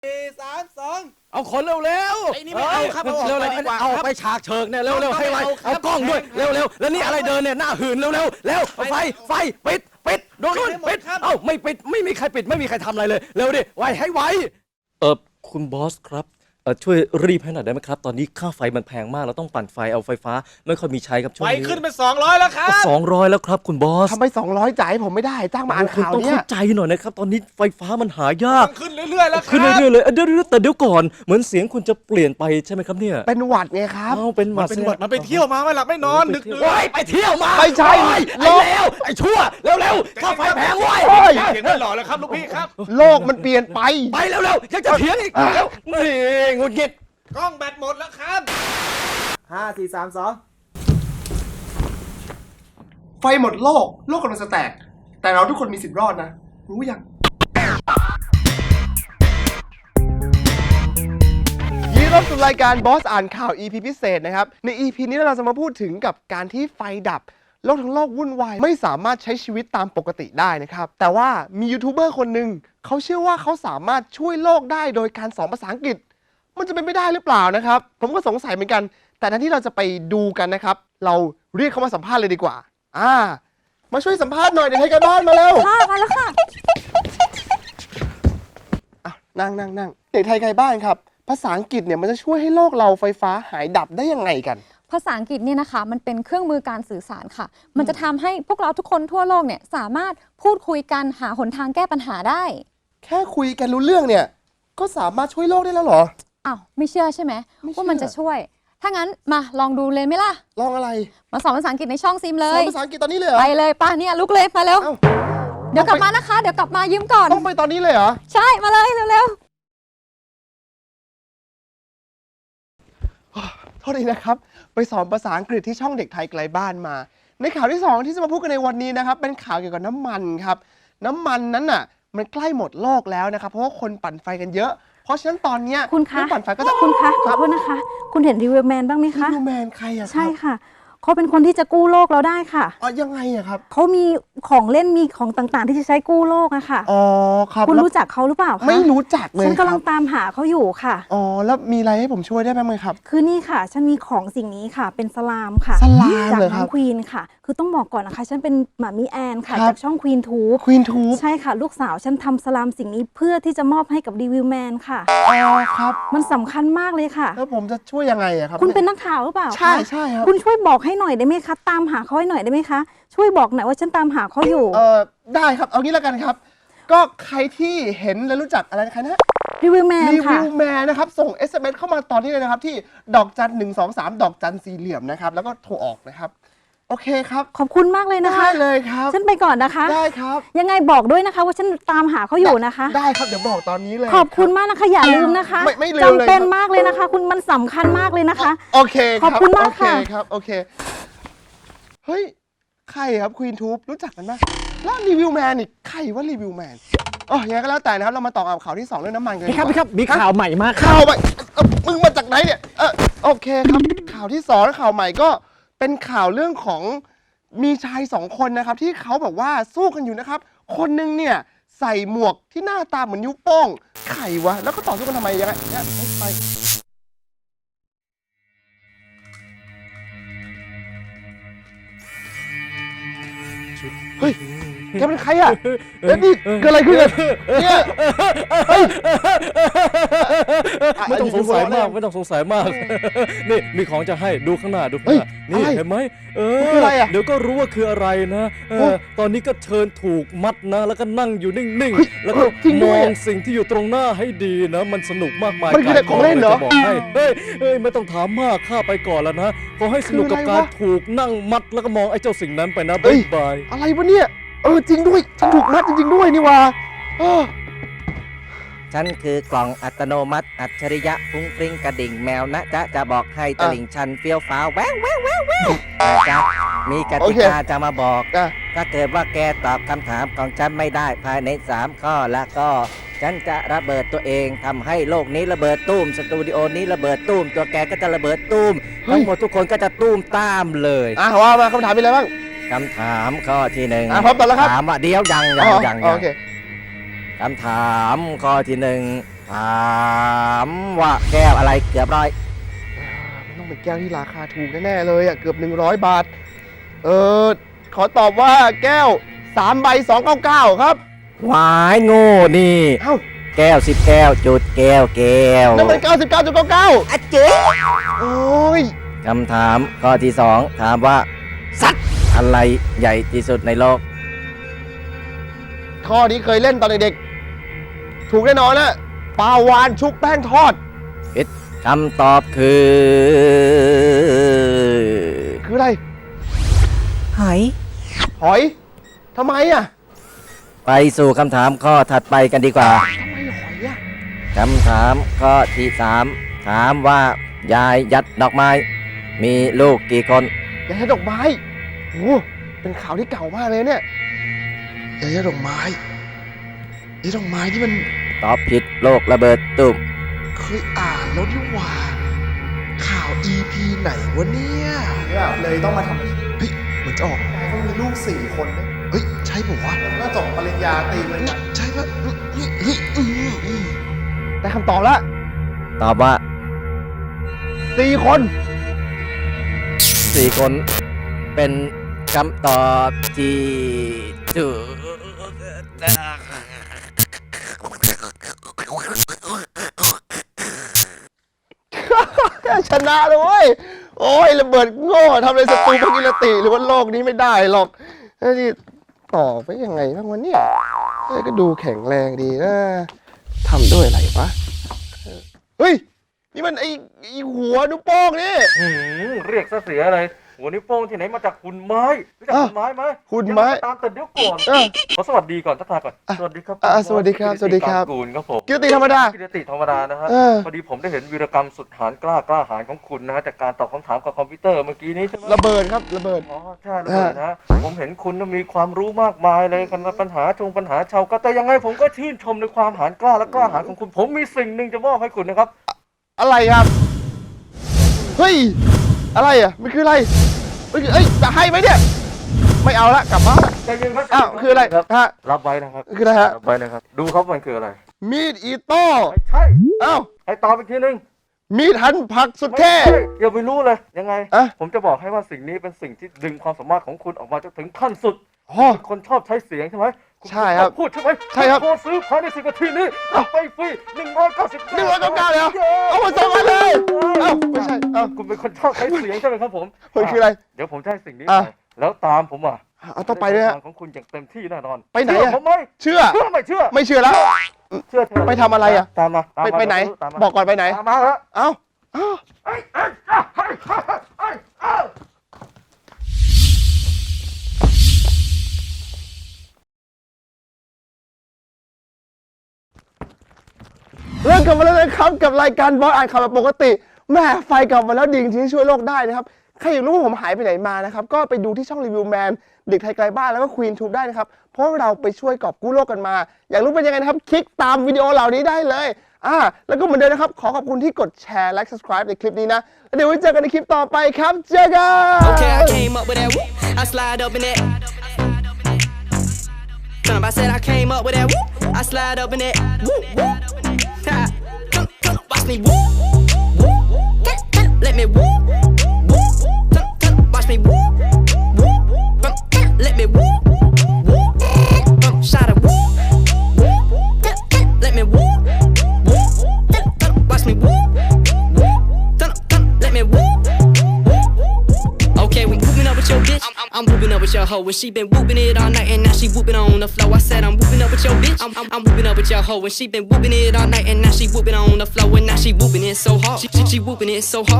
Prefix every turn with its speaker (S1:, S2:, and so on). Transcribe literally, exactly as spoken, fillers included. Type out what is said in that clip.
S1: สี่สามสอง
S2: เอาคนเร็วๆ
S1: ไอ้นี่ไม่เอาครับเอาออก
S2: เร็ว
S1: ไป
S2: ๆ
S1: ดีกว่า
S2: เอา
S1: ครับ
S2: ไปฉากเชิงเนี่ยเร็วๆให้ไว
S1: เอาครับ
S2: เอากล้องด้วย
S1: แพง
S2: เร็วๆแล้วนี่อะไรเดินเนี่ยหน้าหื่นเร็วๆแล้วเอาไฟไฟปิดปิดโดน
S1: ปิดให้หมด
S2: ปิด
S1: ครับ
S2: เอ้าไม่ปิดไม่มีใครปิดไม่มีใครทำอะไรเลยเร็วดิไวให้ไวเออคุณบอสครับเออช่วยรีบให้หน่อยได้ไหมครับตอนนี้ค่าไฟมันแพงมากเราต้องปั่นไฟเอาไฟฟ้าไม่ค่อยมีใช้ครับช่วง
S1: ไฟ
S2: นี้
S1: ขึ้นเป็นสองร้อยแล้วครับ
S2: สองร้อยแล้วครับคุณบอส
S3: ทำไมสองร้อยจ่ายให้ผมไม่ได้จ้างมาอ่าน
S2: คุณ
S3: ข่าว
S2: ต้อง
S3: เนี่
S2: เข้าย ใจหน่อยนะครับตอนนี้ไฟฟ้ามันหายาก
S1: ขึ้นเรื่อยๆแล้วค
S2: ขึ้น
S1: รับ
S2: เรื่อยๆเลยเอ้ยเดี๋ยวๆแต่เดี๋ยวก่อนเหมือนเสียงคุณจะเปลี่ยนไปใช่ไหมครับเนี่ย
S3: เป็นหวัดไงครับ
S2: เอ้าเป็นห
S1: มั
S2: วัน ด
S1: เป็นหวัดมันไปเที่ยวมาไม่หลับไม่นอนดึกๆ
S2: โอ้ยไปเที่ยวมา
S3: ไม่ใช่
S2: โอ้ยไอ้เลวไอ้ชั่วเร็วๆค่าไฟแพงเว้ย
S3: โอ้ย
S1: เสียงไม่หล่อแล้วครับลูกพี่ครับ
S3: โลกมันเปลี่ยนไป
S2: ไปเร็วๆยังจะเถียงอีกเร็วนี่งุดหงิด
S1: กล้องแบตหมดแล้วครับห้าสี่สามสอง
S3: ไฟหมดโลก โลกกำลังจะแตก แต่เราทุกคนมีสิทธิ์รอดนะ รู้ยังยินดีต้อนรับสู่รายการบอสอ่านข่าว อี พี พิเศษนะครับ ใน อี พี นี้เราจะมาพูดถึงกับการที่ไฟดับ โลกทั้งโลกวุ่นวาย ไม่สามารถใช้ชีวิตตามปกติได้นะครับ แต่ว่ามียูทูบเบอร์คนหนึ่งเขาเชื่อว่าเขาสามารถช่วยโลกได้โดยการสอนภาษาอังกฤษ มันจะเป็นไม่ได้หรือเปล่านะครับ ผมก็สงสัยเหมือนกัน แต่แทนที่เราจะไปดูกันนะครับ เราเรียกเขามาสัมภาษณ์เลยดีกว่า อ่า มาช่วยสัมภาษณ์หน่อยเดี๋ยวให้กันบ้านมาเร็ว
S4: ค่ะมาแล้วค่ะ
S3: อ่ะนั่งนั่งนั่งเด็กไทยไกลบ้านครับ ภาษาอังกฤษเนี่ยมันจะช่วยให้โลกเราไฟฟ้าหายดับได้ยังไงกัน
S4: ภาษาอังกฤษเนี่ยนะคะมันเป็นเครื่องมือการสื่อสารค่ะ มันจะทำให้พวกเราทุกคนทั่วโลกเนี่ยสามารถพูดคุยกันหาหนทางแก้ปัญหาได้
S3: แค่คุยกันรู้เรื่องเนี่ย ก็สามารถช่วยโลกได้แล้วเหรอ
S4: อ้าวไม่เชื่อใช่ไหม
S3: ไม่เชื่อ
S4: ว่ามันจะช่วย ถ้างั้นมาลองดูเลยไหมล่ะ
S3: ลองอะไร
S4: มาสอนภาษาอังกฤษในช่องซิมเล
S3: สอน
S4: ย
S3: ภาษาอังกฤษตอนนี้เลยเหรอ
S4: ไปเลยป้าเนี่ยลุกเลยมาเร็ว
S3: เอ้า
S4: เดี๋ยวกลับมานะคะ เดี๋ยวกลับมายืมก่อน
S3: ต้องไปตอนนี้เลยเหรอ
S4: ใช่มาเลยเร็ว
S3: โทษทีนะครับ ไปสอนภาษาอังกฤษที่ช่องเด็กไทยไกลบ้านมา ในข่าวที่สองที่จะมาพูดกันในวันนี้นะครับ เป็นข่าวเกี่ยวกับน้ำมันครับ น้ำมันนั้นน่ะ มันใกล้หมดโลกแล้วนะครับ เพราะว่าคนปั่นไฟกันเยอะ เพราะฉะนั้นตอนเนี้ย
S5: คุณคะ
S3: เรื่องปั่นไฟก็จะ
S5: คุณคะข
S3: ค
S5: อ
S3: รับ
S5: โทษนะคะ คุณเห็นรีวิวแมนบ้างไหมคะ
S3: ดูแมนใครอะครับ
S5: ใช่ค่ะ เขาเป็นคนที่จะกู้โลกเราได้ค่ะ
S3: อ๋อยังไงอะครับ
S5: เขามีของเล่นมีของต่างๆ ที่จะใช้กู้โลกอะค่ะ
S3: อ๋อครับ
S5: คุณ
S3: แล้ว
S5: รู้จักเขาหรือเปล่าคะ
S3: ไม่รู้จักเลย
S5: ฉันกำลั
S3: ค
S5: ง
S3: รับ
S5: ตามหาเขาอยู่ค่ะ
S3: อ๋อแล้วมีอะไรให้ผมช่วยได้บ้างไหมครับ
S5: คือนี่ค่ะ ฉันมีของสิ่งนี้ค่ะ เป็นสลามค่ะ
S3: สลาม
S5: จาก
S3: เหรอค
S5: น้
S3: รั
S5: อบ งควีนค่ะ คือต้องบอกก่อนนะคะ ฉันเป็นหมามิแอนค่ะ
S3: ครับ
S5: จากช่องควีนทูบ
S3: ควีนทูบ
S5: ใช่ค่ะ ลูกสาวฉันทำสลามสิ่งนี้เพื่อที่จะมอบให้กับรีวิวแมนค่ะ
S3: อ๋อครับ
S5: มันสำคัญมากเลยค่ะ
S3: แล้วผมจะช่วยยังไงอะครับ
S5: คุณเป็นนักข่าวหรือเปล่าคะ
S3: ใช่ใช่ครับ
S5: คุณช่วยบอกให้หน่อยได้ไหมคะตามหาเขาให้หน่อยได้ไหมคะช่วยบอกหน่อยว่าฉันตามหาเขาอยู่
S3: เออได้ครับ เอางี้แล้วกันครับ ก็ใครที่เห็นและรู้จักอะไรนะใครนะ
S5: รีวิวแมน
S3: รี
S5: ค่ะ
S3: วิวแมนนะครับ ส่ง เอส เอ็ม เอส เข้ามาตอนนี้เลยนะครับ ที่ดอกจันหนึ่งสองสามดอกจันสี่เหลี่ยมนะครับ แล้วก็โทรออกนะครับ โอเคครับ
S5: ขอบคุณมากเลยนะคะ
S3: ได้เลยครับ
S5: ฉันไปก่อนนะคะ
S3: ได้ครับ
S5: ยังไงบอกด้วยนะคะ ว่าฉันตามหาเขาอยู่นะคะ
S3: ได้ครับเดี๋ยวบอกตอนนี้เลย
S5: ขอบคุณมากนะคะ อย่าลืมนะคะ
S3: ไม่ไม่ลืมเลย
S5: จำเป็น
S3: ครับ
S5: มากเลยนะคะ คุณมันสำคัญมากเลยนะคะ
S3: โอเคครับ
S5: ขอบคุณมากค่ะ
S3: โอเคครับโอเคเฮ้ยใครครับควีนทูบรู้จักกันไหมแล้วรีวิวแมนนี่ใครว่ารีวิวแมนอ๋อยังไงก็แล้วแต่นะครับเรามาต่อกับข่าวที่สองเรื่องน้ำมันกัน
S2: พี่ครับ
S3: ดี
S2: พี่
S3: ก
S2: ค
S3: ว่า
S2: รับมีข่าวใหม่มากครับ
S3: ข่าวใหม่เอ่อมึงมาจากไหนเนี่ยเออโอเคครับ ข่าวที่สองและข่าวใหม่ก็เป็นข่าวเรื่องของมีชายสองคนนะครับ ที่เขาแบบว่าสู้กันอยู่นะครับ คนหนึงเนี่ยใส่หมวกที่หน้าตาเหมือนนิ้วโป้งไข่วะแล้วก็ต่อสู้กันทำไมยังไงเนี่ยไปเฮ้ยแกเป็นใครอ่ะเอ้ยนี่เกิดอะไรขึ้นอะเนี่ยเฮ้ย
S2: ไม่ต้องสงสัยมากไม่ต้องสงสัยมาก นี่มีของจะให้ดูข้างหน้าดูข้างหน้า
S3: เฮ้
S2: นี่
S3: ยอะไร
S2: เห็นไหมเอ
S3: มันคืออะไรอะ
S2: เดี๋ยวก็รู้ว่าคืออะไรนะเอ
S3: โอ้
S2: อตอนนี้ก็เชิญถูกมัดนะ แล้วก็นั่งอยู่นิ่ง
S3: เฮ้ย
S2: ๆ แล้วก็
S3: เออจริงด้
S2: ม
S3: วย
S2: อง
S3: อะ
S2: สิ่งที่อยู่ตรงหน้าให้ดีนะ มันสนุกมากมาย
S3: มันคืออะไรของเล่นเหรอ
S2: จะบอกให้เฮ้ยเฮ้ยไม่ต้องถามมากข้าไปก่อนแล้วนะขอให้สนุกกับ
S3: คืออะไร
S2: การ
S3: วะ
S2: ถูกนั่งมัดแล้วก็มองไอ้เจ้าสิ่งนั้นไปนะ
S3: เอ้
S2: บ๊าย ยบาย
S3: อะไรวะเนี่ย เออจริงด้วย ฉันถูกมัดจริงๆด้วยนี่ว่าเออ
S6: ฉันคือกล่องอัตโนมัติ อัจฉริยะฟุ้งฟริ้งกระดิ่งแมวนะจ๊ะจะบอกให้ต
S3: อ่ะ
S6: ลิ่งชันเฟี้ยวฟ้าวแววแววแววแววนะจ๊ะมีก
S3: โอ
S6: ติ
S3: เค
S6: กาจะมาบอก
S3: อ่ะ
S6: ถ้าเกิดว่าแกตอบคำถามของฉันไม่ได้ภายในสามข้อแล้วก็ ฉันจะระเบิดตัวเองทำให้โลกนี้ระเบิดตุ้มสตูดิโอนี้ระเบิดตุ้มตัวแกก็จะระเบิดตุ้ม
S3: เฮ้ย
S6: ทั้งหมดทุกคนก็จะตุ้มตามเลย
S3: อ่ะว่ามาคำถามมีอะไรบ้าง
S6: คำถามข้อที่หนึ่ง
S3: อ่ะพร้อมตอบแล้วครับ
S6: ถามว่าเดี๋ยวยังยัง
S3: อ๋อ
S6: ยัง
S3: อ๋อ
S6: ยัง
S3: โอเค
S6: คำถามข้อที่หนึ่งถามว่าแก้วอะไรเกือบร้อย
S3: มันต้องเป็นแก้วที่ราคาถูกแน่ๆเลยอ่ะเกือบหนึ่งร้อยบาท เออขอตอบว่าแก้วสามใบสองเก้าเก้าครับ
S6: หวายโง่นี่
S3: เอ้า
S6: แก้วสิบแก้วจุดแก้วแก้ว
S3: นั่นมันเก้าสิบเก้าจุดเก้าเก้า
S6: อะเจ๊
S3: โอ้ย
S6: คำถามข้อที่สองถามว่า สัตว์อะไรใหญ่ที่สุดในโลก
S3: ข้อนี้เคยเล่นตอนเด็กๆถูกแน่นอนนะปลาวานชุบแป้งทอด
S6: ผิดคำตอบคือ
S3: คืออะไร
S6: หอย
S3: หอยทำไมอ่ะ
S6: ไปสู่คำถามข้อถัดไปกันดีกว่า
S3: ทำไมหอยอ่ะ
S6: คำถามข้อที่สามถามว่า ยายยัดดอกไม้ มีลูกกี่คน
S3: ยายาดอกไม้โอ้เป็นข่าวที่เก่ามากเลยเนี่ยยายาดอกไม้ยายดอกไม้ที่มัน
S6: ตอบผิดโลกระเบิดตุ่ม
S7: เคยอ่านแล้วนี่หว่า ข่าว อี พี ไหนวะเนี่ย
S1: เลยต้องมาทำ
S7: เฮ้ยเหมือนจะออก
S1: เขามีลูกสี่คนนะ
S7: เฮ้ย ใช่ป่าวะ
S1: แล้วก็จบปริญญาตรีเลยนะ
S7: ใช่ปะเฮ้ยเฮ้ยอืมอืม
S3: ได้คำตอบแล้ว
S6: ตอบว่า
S3: สี่คน
S6: สี่คนเป็นคำตอบที่ถูก
S3: ชนะเลยเว้ยโอ้ยระเบิดโง่ทำอะไรศัตรูพกิรติหรือว่าโลกนี้ไม่ได้หรอกเฮ้ยนี่ต่อไปยังไงบ้างวะเนี่ยเฮ้ยก็ดูแข็งแรงดีนะทำด้วยอะไรวะเฮ้ยนี่มันไอไอหัวนิ้วโป้งนี่
S2: หืมเรียกซะเสียอะไรหัวนิ้วโป้งที่ไหนมาจากหุ่นไม้รู้จัก
S3: อ้าว
S2: หุ่นไม้ไหม
S3: หุ่นไม้
S2: ยังงก็ตามแต่เดี๋ยวก่อน
S3: เออ
S2: ขอสวัสดีก่อนทักทายก่อน
S3: อ่ะ
S2: สวัสดีครับ
S3: อ่ะ
S2: ผม
S3: สวัสดีครับ
S2: กิตติ
S3: สวัสดีครับ
S2: กากูลครับผม
S3: กิรติธรรมดา
S2: กิรติธรรมดานะฮะ
S3: เออ
S2: พอดีผมได้เห็นวีรกรรมสุดหาญกล้ากล้าหาญของคุณนะฮะจากการตอบคำถามกับคอมพิวเตอร์เมื่อกี้นี้ใช่ไหม
S3: ระเบิดครับระเบิด
S2: อ๋อใช่เลยนะผมเห็นคุณน่ะมีความรู้มากมายเลยกันปัญหาชงปัญหาชาวก็แต่ยังไงผมก็ชื่นชมในความหาญกล้าและกล้าหาญของคุณ ผมมีสิ่งหนึ่งจะมอบให้คุณนะครับ
S3: อะไรครับเฮ้ยอะไรอ่ะมันคืออะไรเอ้ยเอ้ยจะให้ไหมเนี่ยไม่เอาละกลับบ้านละ
S2: ใจเย็นครับ
S3: อ้าวคืออะไร
S2: ครับ
S3: ฮะ
S2: รับไว้นะครับ
S3: คืออะไรฮะ
S2: รับไว้นะครับดูครับมันคืออะไร
S3: มีดอีโต้
S2: ไม่ใช่
S3: เอ้า
S2: ให้ตอบอีกทีหนึง
S3: มีดหั่นผักสุด
S2: ไม่
S3: เท่
S2: ใช่อย่าไปรู้เลยยังไง
S3: อะ
S2: ผมจะบอกให้ว่าสิ่งนี้เป็นสิ่งที่ดึงความสามารถของคุณออกมาจนถึงขั้นสุด
S3: อ๋อ
S2: คนชอบใช้เสียงใช่ไหมณ
S3: ใช่ครับ
S2: พูดใช่ไหม
S3: ใช่ครับ
S2: โทรซื้อภายในสิบนาทีนี้รับไปฟรีหนึ่งร้อยเก้าสิบ
S3: หนึ่งร้อยเก้าสิบเก้าเลยเหรอเอามาส่งมาเลยเอ้าไม่ใช่เอ้า
S2: คุณเป็นคนชอบใช้เสียงใช่ไหมครับผม
S3: เฮ้ยคืออะไร
S2: เดี๋ยวผมจะให้สิ่งนี้
S3: อ่ะ
S2: ไปแล้วตามผมอ่ะ
S3: เอาต้องไปด้วยฮะ
S2: ทางของคุณอย่างเต็มที่แน่นอน
S3: ไปไหน
S2: เชื่อ
S3: อะ
S2: ผมไหม
S3: เชื่อ
S2: เชื่อไม่เชื่อ
S3: ไม่เช่อแล้ว
S2: เชื่อเถอะ
S3: ไปทำอะไรอะ
S2: ตามมาตาม
S3: ไป
S2: มา
S3: ไปไหน
S2: ตามมา
S3: บอกก่อนไปไหน
S2: ตามมาแล้ว
S3: เอ้าเอ้า
S2: เอ้ยเอ้ยเอ้ยเอ้ยเอ้ยเอ้ยเอ้ย
S3: เริ่มกลับมาแล้วนะครับกับรายการบอสอ่านข่าวแบบปกติแม่ไฟกลับมาแล้วดีจริงๆที่ช่วยโลกได้นะครับใครอยากรู้ว่าผมหายไปไหนมานะครับก็ไปดูที่ช่องรีวิวแมนเด็กไทยไกลบ้านแล้วก็ควีนทูบได้นะครับเพราะเราไปช่วยกอบกู้โลกกันมา อยากรู้เป็นยังไงนะครับคลิกตามวิดีโอเหล่านี้ได้เลยอ่าแล้วก็เหมือนเดิมนะครับขอขอบคุณที่กดแชร์และ subscribe ในคลิปนี้นะแล้วเดี๋ยวไว้เจอกันในคลิปต่อไปครับเจอกัน
S8: Okay, I came up with that whoop. I slide up in it. Turn up, I said I came up with that whoop. I slide up in it. Whoop, whoop. Ha. Come, come, watch me whoop. Whoop. Get, get, let me whoop. Whoop. Come, come, watch me whoop. Whoop. Come, come, let me whoop. Whoop. Come, shot a whoop. Whoop. Get, get, let me whoop. Whoop. Come, come, watch me whoop. Whoop. Come, come, let me whoop. Okay, we whooping up with your bitch. I'm, I'm, I'm whooping up with your hoe. And she been whooping it all night and now she whooping on the floor. I said I'm whooping up with your bitch. I'm, I'm, I'm whooping up with your hoe. And she been whooping it all night and now she whooping on the floor. And now she whooping it so hard. She, she, she whooping it so hard.